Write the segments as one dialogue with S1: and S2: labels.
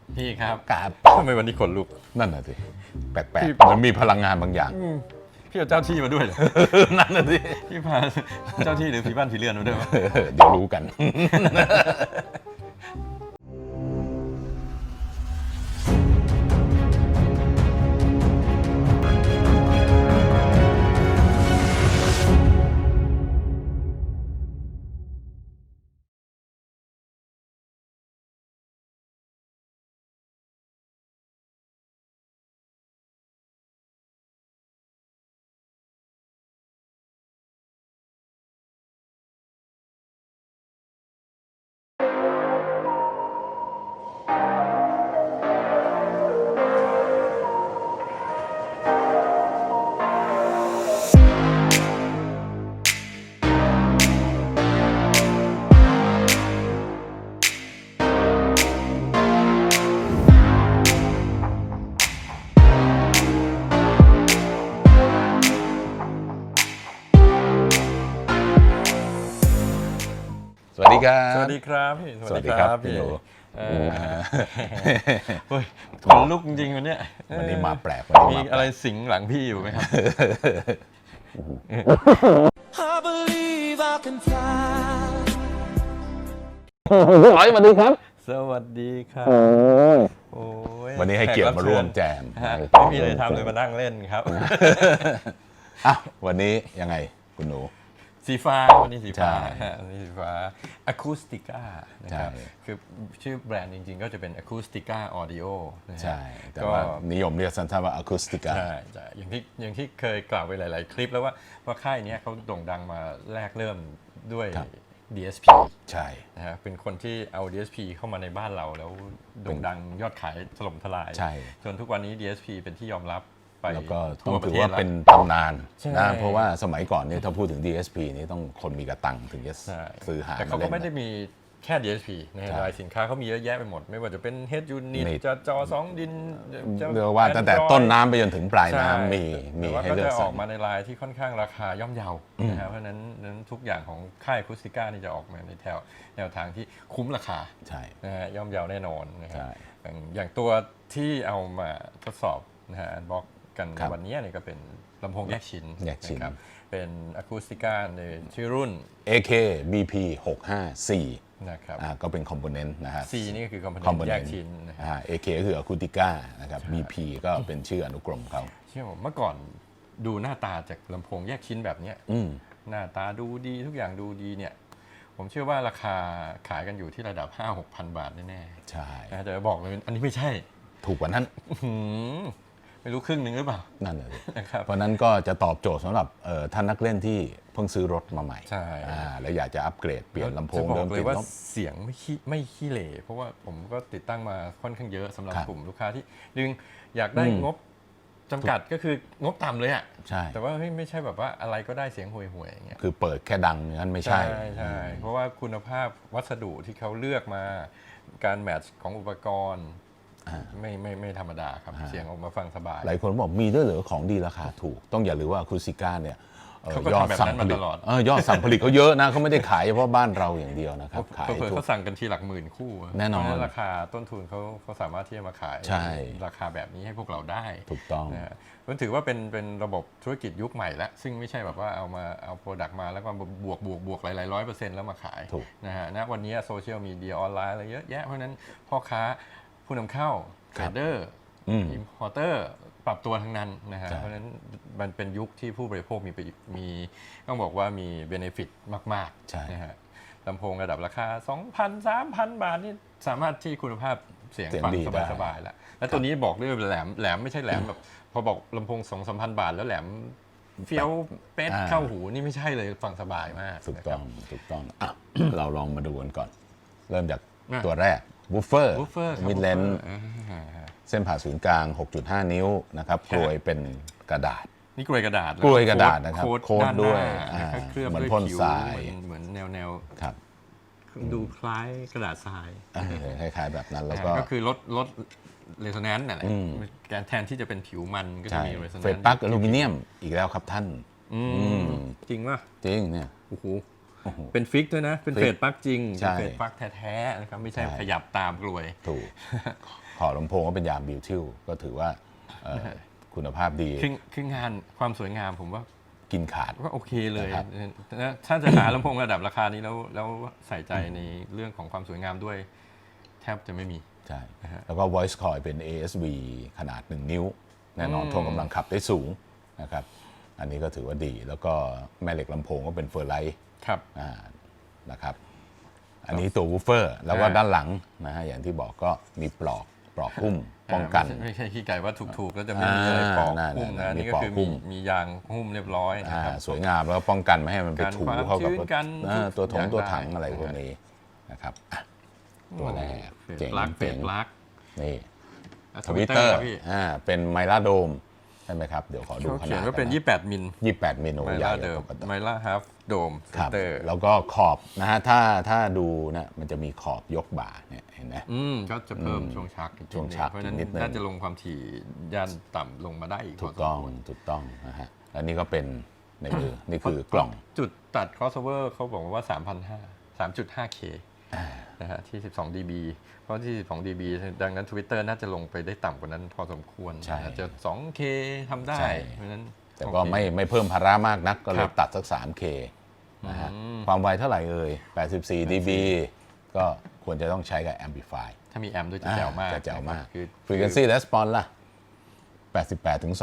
S1: พี่ครับ
S2: กราบ
S1: ทำไมวันนี้ขนลุก
S2: นั่นน่ะสิแปลกๆเหมือนมีพลังงานบางอย่าง
S1: พี่เอาเจ้าที่มาด้วยเหรอ
S2: นั่นน่ะสิ
S1: พี่พาเจ้าที่หรือผีบ้านผีเรือนมาด้วยวะ
S2: เดี๋ยวรู้กัน สวัสดีครับ
S1: สวัสดีครับพี่
S2: สวัสดีครับพี่หนู
S1: เฮ้ยขนลุกจริงๆวันเนี้ย
S2: วันนี้มาแปลกวันนี้
S1: มี
S2: มาแปล
S1: อะไร
S2: ก
S1: สิงหลังพี่อยู่ไหมครับ
S3: I believe I can fly.
S2: ร้อยสวัสดีครับ
S1: สวัสดีครับโอ้ย
S2: วันนี้ให้เกียรติมาร่วมแจม
S1: ฮะไม่มีอะไรทำเลยมานั่งเล่นครับ
S2: อ่ะวันนี้ยังไงคุณหนู
S1: สีฟ้าวันนี้สีฟ้า
S2: ใช่
S1: ฮะวันนี้สีฟ้า Acoustica นะครับ
S2: ใช่
S1: คือชื่อแบรนด์จริงๆ ก็จะเป็น Acoustica Audio นะฮะ
S2: ใช่ แต่
S1: ก็
S2: ว่านิยมเรียกสั้นๆว่าอะคูสติกา
S1: ใช่ใช่อย่างที่เคยกล่าวไปหลาย ๆ คลิปแล้วว่าค่ายเนี้ยเขาโด่งดังมาแรกเริ่มด้วย
S2: ครับ
S1: DSP
S2: ใช่
S1: นะฮะเป็นคนที่เอา DSP เข้ามาในบ้านเราแล้วโด่งดังยอดขายถล่มทลาย
S2: ใช่
S1: จนทุกวันนี้ DSP เป็นที่ยอมรับไป
S2: แล้วก็ต้
S1: ทั่
S2: อ
S1: ว
S2: ง
S1: ป
S2: ถื
S1: ระ
S2: อ
S1: เทศ
S2: ว่า
S1: แล้ว
S2: เป็นตำนาน
S1: ใช่
S2: นะเพราะว่าสมัยก่อนเนี่ยถ้าพูดถึง DSP นี่ต้องคนมีกระตังถึงจะ
S1: ใช่
S2: ซื้อหา
S1: แต่เขา
S2: มาเล่
S1: ก็
S2: น
S1: ไม่ได้
S2: นะ
S1: มีแค่ DSP นะฮะ
S2: ใช่
S1: รายสินค้าเขามีเยอะแยะไปหมด ไม่ว่าจะเป็น Head Unit
S2: นี่
S1: จอ2 ดินจะ
S2: เรียกว่าตั้งแต่
S1: Android
S2: ต้นน้ำไปจนถึงปลาย
S1: ใช่
S2: น้ำมี
S1: แต่ว่า
S2: ให้
S1: ก็
S2: เลือ
S1: จะ
S2: ก
S1: อ
S2: สร
S1: อก
S2: ร
S1: มาในลายที่ค่อนข้างราคาย่อมเยานะครับเพราะฉะนั้นทุกอย่างของค่ายคูสติก้านี่จะออกมาในแนวทางที่คุ้มราคา
S2: ใช่
S1: นะฮะย่อมเยาแน่นอนนะครับ
S2: ใช่
S1: อย่างตัวที่เอามาทดสอบนะฮะบล็อกกัน
S2: ครับ
S1: วันนี้เนี่ยก็เป็นลำโพงแยกชิ้น
S2: แยกชิ้น
S1: นะครับเป็นอะคูสติก้าในชื่อรุ่น
S2: AK BP 654
S1: นะครับ
S2: ก็เป็นคอมโพเนนต์นะฮะ
S1: C นี่ก็คือคอมโพเนน
S2: component
S1: ต์แยกชิ้นนะครับ
S2: AK ก็คืออะคูติก้านะครับ BP ก็เป็นชื่ออนุกรมเขา
S1: เชื่อผมเมื่อก่อนดูหน้าตาจากลำโพงแยกชิ้นแบบเนี้ย
S2: อืม
S1: หน้าตาดูดีทุกอย่างดูดีเนี่ยผมเชื่อว่าราคาขายกันอยู่ที่ระดับ 5-6,000 บาทแน่
S2: ใช่
S1: ๆนะแต่บอกเลยอันนี้ไม่ใช่
S2: ถูกกว่านั้น
S1: หืมไม่รู้ครึ่งหนึ่งหรือเปล่า
S2: นั่นเลย
S1: นะครับ
S2: เพราะนั้นก็จะตอบโจทย์สำหรับท่านนักเล่นที่เพิ่งซื้อรถมาใหม่
S1: ใช่
S2: แล้วอยากจะอัปเกรดเปลี่ยนลำโพง
S1: จะบ
S2: เดิ
S1: อ
S2: ม
S1: กเล
S2: ติ
S1: ย
S2: ด
S1: ว่า
S2: ลบ
S1: เสียงไม่ขี้เหร่เพราะว่าผมก็ติดตั้งมาค่อนข้างเยอะสำหรับ
S2: ครับ
S1: กลุ่มลูกค้าที่ดึงอยากได้งบจำกัดก็คืองบต่ำเลยอ่ะ
S2: ใช่
S1: แต่ว่าไม่ใช่แบบว่าอะไรก็ได้เสียงห่วยๆอย่างเงี้ย
S2: คือเปิดแค่ดังนั้นไม่ใช่
S1: ใช่เพราะว่าคุณภาพวัสดุที่เขาเลือกมาการแมทช์ของอุปกรณ์ไม่ธรรมดาครับเสียงออกมาฟังสบาย
S2: หลายคนบอกมีด้วยเหรือของดีราคาถูก ต้องอย่าลืมว่าคูซิก้าเนี่ย
S1: เขาก็
S2: ยอด
S1: ทำแบบ
S2: สั่ง
S1: นั้น
S2: ผ
S1: มา
S2: ลิ
S1: ต
S2: ต
S1: ลอด
S2: ยอดสั่งผลิตเขาเยอะนะเขาไม่ได้ขายเฉพาะบ้านเราอย่างเดียวนะครับขาย
S1: เผื่อ
S2: ทุก
S1: เขาสั่งกันทีหลักหมื่นคู่
S2: แน่นอน
S1: เพราะฉะราคาต้นทุนเขาสามารถที่จะมาขาย
S2: ใช่
S1: ราคาแบบนี้ให้พวกเราได้
S2: ถูกต้อง
S1: นะฮะมันถือว่าเป็นระบบธุรกิจยุคใหม่แล้วซึ่งไม่ใช่แบบว่าเอาโปรดักต์มาแล้วก็บวกหลาย100%แล้วมาขาย
S2: ถูก
S1: นะฮะณวันนี้โซเชียลมีเดียออนไลน์อะไรเยอะแยะเพราะฉะนั้นพ่อค้าผู้นำเข้าเทรดเดอร์อิมพอร์เตอร์ปรับตัวทั้งนั้นนะฮะ
S2: ใช่
S1: เพราะฉะนั้นมันเป็นยุคที่ผู้บริโภคมีต้องบอกว่ามีเบเนฟิตมาก
S2: ใช่
S1: ๆนะฮะลำโพงระดับราคา 2,000 3,000 บาทนี่สามารถที่คุณภาพเสียงฟังสบายๆแล้วแล้วตัวนี้บอกด้วยแหลมไม่ใช่แหลมแบบพอบอกลำโพง 2-3,000 บาทแล้วแหลมเฟี้ยวเป๊ะเข้าหูนี่ไม่ใช่เลยฟังสบายมาก
S2: ถูก
S1: นะค
S2: ต้
S1: รั
S2: อบ งถูกต้องอ่ะ เราลองมาดูกันก่อน เริ่มจาก
S1: อ่ะ
S2: ตัวแรกบูฟเฟอร์
S1: วูฟเฟอร์
S2: มิดเลน
S1: อ่า
S2: เส้นผ่าศูนย์กลาง 6.5 นิ้วนะครับกลวยเป็นกระดาษ
S1: นี่กลวยกระดาษ
S2: กลวยกระดาษนะครับ
S1: โค้ด
S2: โค้ดด้วย
S1: ด้านหน้าแล้วก็เคลือบ
S2: เหมือน
S1: ด้วย
S2: พ่น
S1: ผิว
S2: ทราย
S1: เหมือนแนว
S2: ครับ
S1: ดูคล้ายกระดาษทราย
S2: คล้ายๆแบบนั้นแล้วก็
S1: ก็คือลดเรโซแนนซ์นั่นแหละการแทนที่จะเป็นผิวมันก็จะ
S2: ใช่
S1: มีเรโซแนนซ์
S2: เฟรดปลั๊กอลูมิเนียมอีกแล้วครับท่าน
S1: จริงป่ะ
S2: จริงเนี่ย
S1: โอ้โหเป็นฟิกด้วยนะ เป็น
S2: ฟิก
S1: เฟรดปลั๊กจริง
S2: ใช่
S1: เป็นเฟรดปลั๊กแท้ๆนะครับไม่ใช่
S2: ใช่
S1: ขยับตามกลวย
S2: ถูกขอบลำโพงก็เป็นยางบิวทิลก็ถือว่าคุณภาพดี
S1: คืองานความสวยงามผมว่า
S2: กินขาด
S1: ก็โอเคเลย
S2: นะครับ
S1: นะถ้าจะหาลำโพงระดับราคานี้แล้วใส่ใจในเรื่องของความสวยงามด้วยแทบจะไม่มี
S2: ใช่แล้วก็ voice coil เป็น ASV ขนาด 1 นิ้ว แน่นอนทวงกำลังขับได้สูงนะครับอันนี้ก็ถือว่าดี แล้วก็แม่เหล็กลำโพงก็เป็นเฟอร์ไลท์
S1: ครับ
S2: นะครับอันนี้ตัววูฟเฟอร์แล้วก็ด้านหลังนะฮะอย่างที่บอกก็มีปลอกหุ้มป้องกัน
S1: ไม่ใช่ขี้ไก่ว่าถูกๆแล้วจะไม่มีอะไรปอกหุ้มนะ
S2: มี
S1: นี่ก็
S2: ปอก
S1: คือ
S2: หุ้ม
S1: มียางหุ้มเรียบร้อยนะครับ
S2: สวยงามแล้วก็ป้องกันไม่ให้มันไปถู
S1: กันความ
S2: เข้ากับ
S1: ชื้นกัน
S2: ตัวถง
S1: อย่าง
S2: ตัวถัง
S1: ได้
S2: อะไรพวกนี้นะครับตัวแรก
S1: เฟด
S2: เจ๋ง
S1: ลักเฟ
S2: เจ๋
S1: ด
S2: ง
S1: ลัก
S2: นี่
S1: ท
S2: ท
S1: วิ
S2: วิ
S1: ต
S2: ต
S1: เต
S2: เต
S1: อ
S2: อ
S1: ร์
S2: ร์
S1: พี่
S2: เป็นไมล่าโดมใช่ไหมครับ เดี๋ยวขอดู
S1: เขา
S2: ข
S1: เขีย
S2: นาด
S1: นว่าเป็น 28 มิล
S2: 28มิล
S1: ไม
S2: ใหญ่
S1: ล่าเดิม
S2: ปกติ
S1: ไมล่าฮาฟโดม
S2: ครับ
S1: เตอร์
S2: แล้วก็ขอบนะฮะถ้าดูนะมันจะมีขอบยกบ่าเนี่ยเห็นไหม
S1: ก็จะเพิ่มช่วงชักอีก
S2: ช่วงชัก
S1: เพราะฉะนั้น
S2: นิดนึง
S1: น่าจะลงความถี่ย่านต่ำลงมาได้อีก
S2: ถูกต้องนะฮะแล้วนี่ก็เป็นในมือ นี่คือกล่อง
S1: จุดตัด crossover เขาบอกว่า 3,500 3.5K นะฮะที่ 12 dB เพราะที่ 12 dB ดังนั้น Twitter น่าจะลงไปได้ต่ำกว่านั้นพอสมควร
S2: ใช่
S1: อาจจะ 2K ทำได้
S2: ใช่
S1: เพราะฉะนั้น
S2: แต่ก็
S1: โอเค
S2: ไม่เพิ่มภาระมากนักก็เล
S1: ครั
S2: ย
S1: บ
S2: ตัดสัก 3K นะฮะความไวเท่าไหร่เอ่ย84 dB ก็ควรจะต้องใช้กับ Amplify
S1: ถ้ามีแอมป์ด้วยจะแจ๋วมาก
S2: จะแจ๋วมาก
S1: คือ
S2: Frequency Response ล่ะ 88 ถึง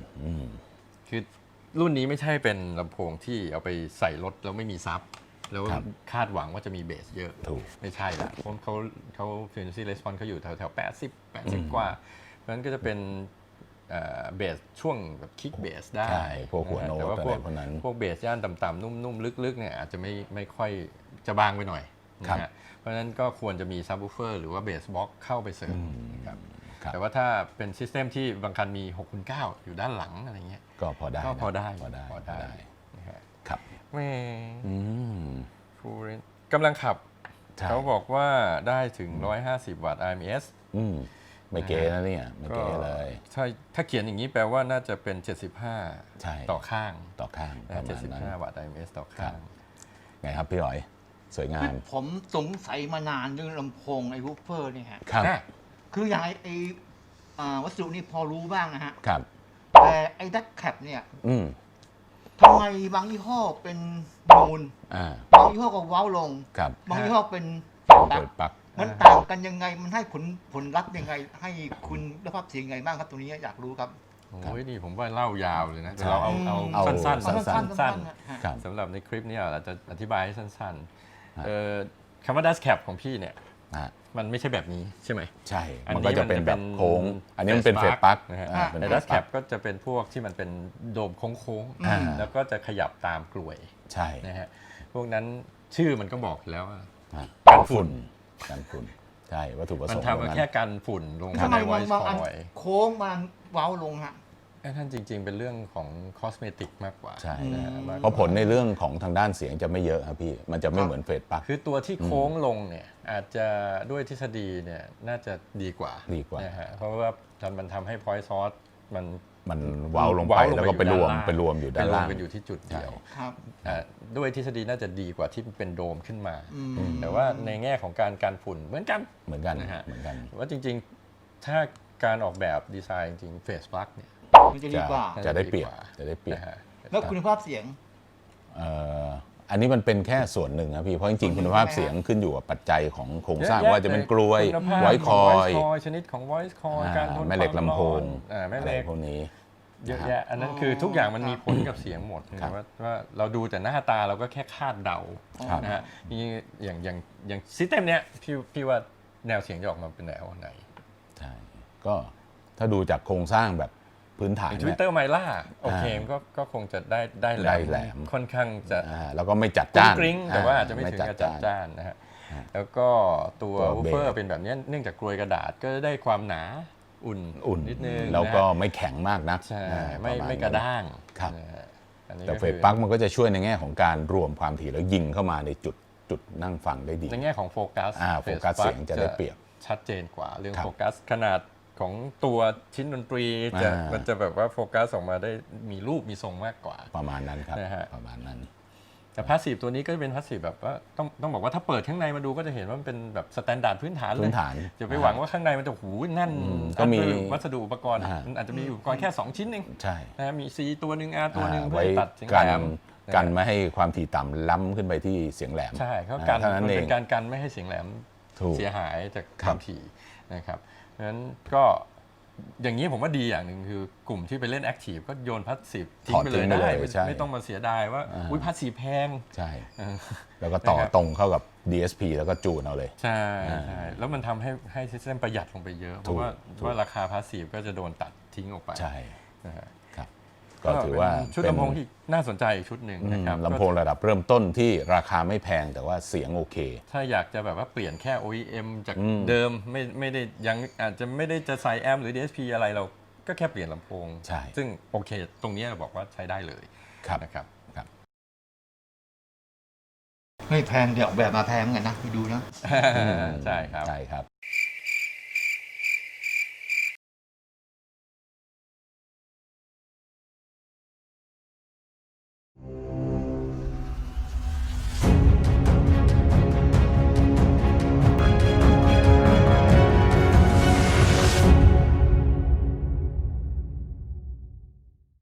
S2: 20,000
S1: คือรุ่นนี้ไม่ใช่เป็นลำโพงที่เอาไปใส่รถแล้วไม่มีซับ แล้ว
S2: ครับ
S1: คาดหวังว่าจะมีเบสเยอะ
S2: ถูก
S1: ไม่ใช่ละเพราะเขา frequency response เขาอยู่แถว80 กว่า เพราะฉะนั้นก็จะเป็นเบสช่วงแบบคิกเบสได้
S2: ใช่พวกหัวโน้ต
S1: แต่ว่า
S2: อะไรพวกนั้น
S1: พวกเบสย่านต่ำๆนุ่มๆลึกๆเนี่ยอาจจะไม่ค่อยจะบางไปหน่อย
S2: ครับ
S1: นะฮะเพราะฉะนั้นก็ควรจะมีซับวูฟเฟอร์หรือว่าเบสบ็อกเข้าไปเสริมนะครับ
S2: ครับ
S1: แต่ว่าถ้าเป็นซิสเต็มที่บางคันมี6/9อยู่ด้านหลังอะไรเงี้ย
S2: ก็พอได้
S1: ก็
S2: นะ
S1: พอได้
S2: พอได้
S1: นะฮะ
S2: ครับ
S1: แม่
S2: อืม
S1: ฟูเรนกำลังขับ
S2: ใช่
S1: เขาบอกว่าได้ถึง 150 วัตต์ RMS
S2: ไม่เก๋นะเนี่ยไม่เก๋เลย
S1: ถ้าเขียนอย่างนี้แปลว่าน่าจะเป็น
S2: ใช่
S1: 75 ต่อข้าง
S2: ต่อข้างประมาณนั้น
S1: 75 วัตต์ RMS ต่อข้าง
S2: ไงครับพี่หอย สวยงาม
S4: ผมสงสัยมานานเรื่องลำโพงไอ้วูฟเฟอร์เนี่ยฮะ
S2: ครับ
S1: อ่ะ
S4: คืออย่างไอ้วัสดุนี่พอรู้บ้างนะฮะ
S2: ครับ
S4: แต่ไอ้ดักแคปเนี่ย
S2: อืม
S4: ทำไมบางยี่ห้อเป็นนูน บางยี่ห้อก็เว้าลง
S2: ครับ
S4: บางยี่ห้อเป็น
S2: เปิดปลั๊ก
S4: มันต่างกันยังไง มันให้ผลลัพธ์ยังไง ให้คุณภาพเสียงยังไงบ้างครับตรงนี้อยากรู้ครับ
S1: โอ้ยนี่ผมว่าเล่ายาวเลยนะ
S2: ใช่
S1: แต่เราเอาสั้น
S4: เอาสั้นๆ
S1: สั้น
S4: ฮะ
S2: ครับ
S1: ๆสำหรับในคลิปนี้เราจะอธิบายให้สั้น
S2: ฮะ
S1: ๆคำว่า Dash Cap ของพี่เนี่ย
S2: อ่ะ
S1: มันไม่ใช่แบบนี้ใช่ไหม
S2: ใช่
S1: อัน
S2: มัน
S1: นี้
S2: ก็จะเป็นแบบโค้ง อันนี้มันเป็นเฟส
S1: Phase
S2: ปลั๊ก
S1: นะฮะ
S2: เป็น
S1: แต่
S2: เฟ
S1: Dash
S2: สปลั๊
S1: Cap ก็จะเป็นพวกที่มันเป็นโดมโค้ง
S2: อ่า
S1: ๆแล้วก็จะขยับตามกลวย
S2: ใช่
S1: นะฮะพวกนั้นชื่อมันก็บอกอยู่แล้วว่า
S2: อ่ะ
S1: กันฝุ่น
S2: กันฝุ่น ใช่วัตถุประ
S1: มั
S2: ส
S1: น
S2: งค์
S1: ทำมา
S2: ตรงนั้น
S1: แค่กันฝุ่นลง
S4: ทำไม
S1: ใน voice
S4: บางอัน
S1: coil
S4: โค้งมันเว้าลงฮะ
S1: ท่านจริง ๆ เป็นเรื่องของคอสเมติกมากกว่า
S2: ใช่
S1: นะฮะมากก
S2: เพ
S1: ว่า
S2: ราะผลในเรื่องของทางด้านเสียงจะไม่เยอะครับพี่ มันจะไม่เหมือนเฟสปลั๊ก
S1: คือตัวที่โค้งลงเนี่ยอาจจะด้วยทฤษฎีเนี่ยน่าจะดีกว่า
S2: ดีกว่า
S1: นะฮะเพราะว่ามันทำให้ point source มัน
S2: มันเว้าลงไปแล้วก็ไปรวมอยู่ด้านล่าง
S1: ไปรวมกันอยู่ที่จุดเดียว
S4: ครับ
S1: ด้วยทฤษฎีน่าจะดีกว่าที่เป็นโดมขึ้นมา
S4: อืม
S1: แต่ว่าในแง่ของการกันฝุ่นเหมือนกัน
S2: เหมือนกัน
S1: นะฮะ
S2: เหมือนกัน
S1: ว่าจริงๆ ถ้าการออกแบบดีไซน์จริงเฟสปลั๊กเนี่ย
S4: มันจะดีกว่า
S2: จะได้เปรียบจะได้เปรียบ
S1: นะฮะ
S4: แล้วคุณภาพเสียง
S2: อันนี้มันเป็นแค่ส่วนหนึ่งครับพี่ เพราะจริงๆคุณภาพเสียงขึ้นอยู่กับปัจจัยของโครงสร้างว่าจะเป็นกลวย
S1: คุณภาพ
S2: ไว
S1: ของ
S2: คอ
S1: voice
S2: ย
S1: coil ชนิดของ voice coil การทน
S2: แม่เหล็ก
S1: ความ
S2: ลำโพง
S1: ร้อนแม่
S2: อะ
S1: เห
S2: ไร
S1: ล็ก
S2: พวกนี้
S1: เยอะแยะอันนั้นคือทุกอย่างมันมีผลกับเสียงหมด
S2: ครับ
S1: ว่าเราดูแต่หน้าตาเราก็แค่คาดเดา
S2: ครับ
S1: นะฮะนี่อย่างซิสเต็มเนี้ยพี่ว่าแนวเสียงจะออกมาเป็นแนวไหน
S2: ใช่ก็ถ้าดูจากโครงสร้างแบบพื้นฐาน
S1: ท
S2: เนี่
S1: วิ
S2: ย
S1: ตเตอร์ไมล่าโอเคมันก็คงจะได้แหล
S2: ได้แหลม
S1: ค่อนข้างจะ
S2: แล้วก็ไม่จัด
S1: กรุ้
S2: จ้าง น
S1: กริ้งแต่ว่าอาจจะไม่ถึงกับจัด
S2: จ้าน
S1: จ้านนะฮะแล้วก็ตัว
S2: ตัว
S1: วูฟเฟอร์เป็นแบบเนี้ยเนื่องจากกลวยกระดาษก็ได้ความหนาอุ่นนิดนึง
S2: แล้วก็
S1: นะฮะ
S2: ไม่แข็งมากนัก
S1: ใช่
S2: ปมาณ
S1: ไม่กระด้าง
S2: ครับ
S1: นะฮะอันนี้
S2: แต่
S1: ก็
S2: เฟ
S1: คื
S2: ส
S1: อ
S2: ปลั๊กมันก็จะช่วยในแง่ของการรวมความถี่แล้วยิงเข้ามาในจุดนั่งฟังได้ดี
S1: ในแง่ของโฟกัส
S2: โฟกัสเสียงจะได้เปรียบ
S1: ชัดเจนกว่าเรื่อง
S2: ครับ
S1: โฟกัสขนาดของตัวชิ้นดนตรีมันจะแบบว่าโฟกัสออกมาได้มีรูปมีทรงมากกว่า
S2: ประมาณนั้นครับ
S1: นะฮะ
S2: ประมาณนั้น
S1: แต่พาสซีฟตัวนี้ก็เป็นพาสซีฟแบบว่าต้องบอกว่าถ้าเปิดข้างในมาดูก็จะเห็นว่ามันเป็นแบบสแตนดาร์ดพื้นฐานเลย
S2: พื้นฐาน
S1: อย่าไปหวังว่าข้างในมันจะหูแน่น
S2: ก็มี
S1: วัสดุอุปกรณ์มันอาจจะมีอุปกรณ์แค่2ชิ้นเอง
S2: ใช่
S1: นะมี C ตัวหนึ่ง R ตัวหนึ่งเพื่อ
S2: ไว้
S1: ให้ตัดเสียง
S2: กั
S1: แห
S2: น
S1: ลม
S2: กันไม่ให้ความถี่ต่ำล้ำขึ้นไปที่เสียงแหลม
S1: ใช่เขากัน
S2: เท่านั้น
S1: มัน
S2: เอ
S1: เป็
S2: ง
S1: นการกันไม่ให้เสียงแหลม
S2: ถูก
S1: เสียหายจาก
S2: ค
S1: ครับ วามถี่นะครับเพราะฉะนั้นก็อย่างนี้ผมว่าดีอย่างหนึ่งคือกลุ่มที่ไปเล่นแอคทีฟก็โยนพาสซีฟทิ้งไปเลย
S2: ถอดทิ้งไปเลย
S1: ได้
S2: ใช่
S1: ไม่ต้องมาเสียดายว่าอุ้ยพาสซีฟแพง
S2: ใช่
S1: เออ
S2: แล้วก็ต่อ
S1: นะครับ
S2: ตรงเข้ากับ DSP แล้วก็จูนเอาเลย
S1: ใช่ใช่แล้วมันทำให้ซิสเต็มประหยัดลงไปเยอะ เพราะว่า
S2: ถูก
S1: ว่าราคาพาสซีฟก็จะโดนตัดทิ้งออกไป
S2: ใช่
S1: นะฮะ
S2: ครับ ก็ถือว่า
S1: เป็นชุดลำโพงที่น่าสนใจอีกชุดหนึ่งนะครับ
S2: ลำโพงระดับเริ่มต้นที่ราคาไม่แพงแต่ว่าเสียงโอเค
S1: ถ้าอยากจะแบบว่าเปลี่ยนแค่ OEM จากเดิมไม่ได้ยังอาจจะไม่ได้จะใส่แอมหรือ DSP อะไรเราก็แค่เปลี่ยนลำโพง
S2: ใช่
S1: ซึ่งโอเค ตรงนี้เราบอกว่าใช้ได้เลย
S2: ครับ
S1: นะครับ
S2: ครับ
S4: ไม่แพงเดี๋ยวออกแบบมาแพงเหมือนกันนะไปดูนะ
S1: ใช่ครับ
S2: ใช่ครับ